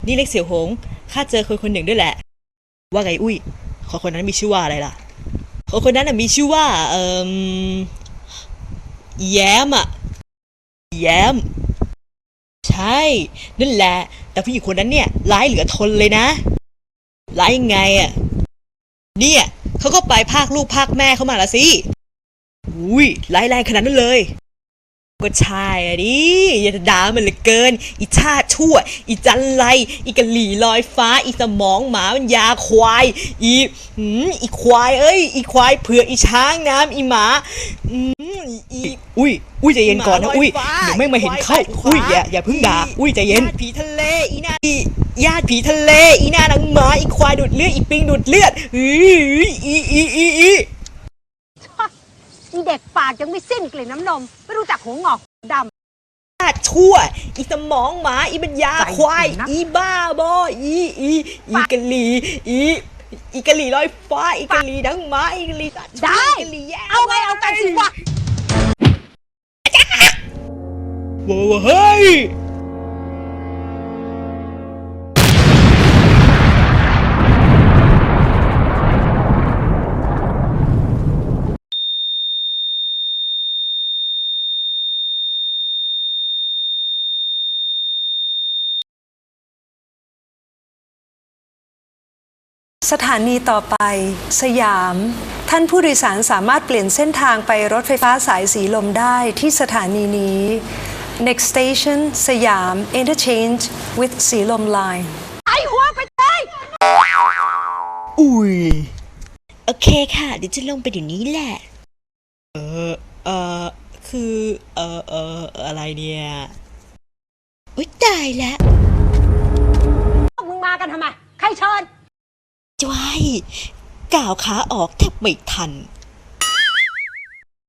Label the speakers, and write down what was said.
Speaker 1: นี่เล็กเสี่ยวหงข้าเจอคนคนหนึ่งด้วยแหละว่าไงอุ้ยคนนั้นมีชื่อว่าอะไรล่ะคนนั้นมีชื่อว่าแย้มอะแย้มใช่นั่นแหละแต่ผู้หญิงคนนั้นเนี่ยร้ายเหลือทนเลยนะร้ายยังไงอะเนี่ยเขาก็ไปพากลูกพากแม่เขามาละสิอุ้ยร้ายแรงขนาดนั้นเลยก็ใช่อะดิอย่าด่ามันเลยเกินอีชาติชั่วอีจันไรอีกะหลี่ลอยฟ้าอีสมองหมามันยาควายอีควายเอ้ยอีควายเผือกอีช้างน้ำอีหมาอีอุ้ยใจเย็นก่อนนะอุ้ยเดี๋ยวแม่งมาเห็นเข้าอุ้ยอย่าเพิ่งด่าอุ้ยใจเย็นผีทะเลอีน่าญาติผีทะเลอีหน้าหนังหมาอีควายดูดเลือดอีปิงดูดเลือด
Speaker 2: อีเด็กปากยังไม่สิ้นกลิ่นน้ำนมไม่รู้จักหัวงอกด
Speaker 1: ำชั่วอีสมองหมาอีบัญญาควายอีบ้าบออีกะหลีอีกะหลีลอยฟ้าอีกะหลีดังหมาอีกะหลีสัตว์
Speaker 2: ได้เอาไงเอากันสิวะ
Speaker 1: ว้าวเฮ้ย
Speaker 3: สถานีต่อไปสยามท่านผู้โดยสารสามารถเปลี่ยนเส้นทางไปรถไฟฟ้าสายสีลมได้ที่สถานีนี้ Next station สยาม Interchange with สีลม Line
Speaker 2: ไอหัวไปเลย
Speaker 1: อุ้ยโอเคค่ะเดี๋ยวจะลงไปเดี๋ยวนี้แหละคืออะไรเนี่ยอุ๊ยตายแล้ว
Speaker 2: มึงมากันทำไมใครเชิญ
Speaker 1: จ้วยก้าวขาออกแทบไม่ทัน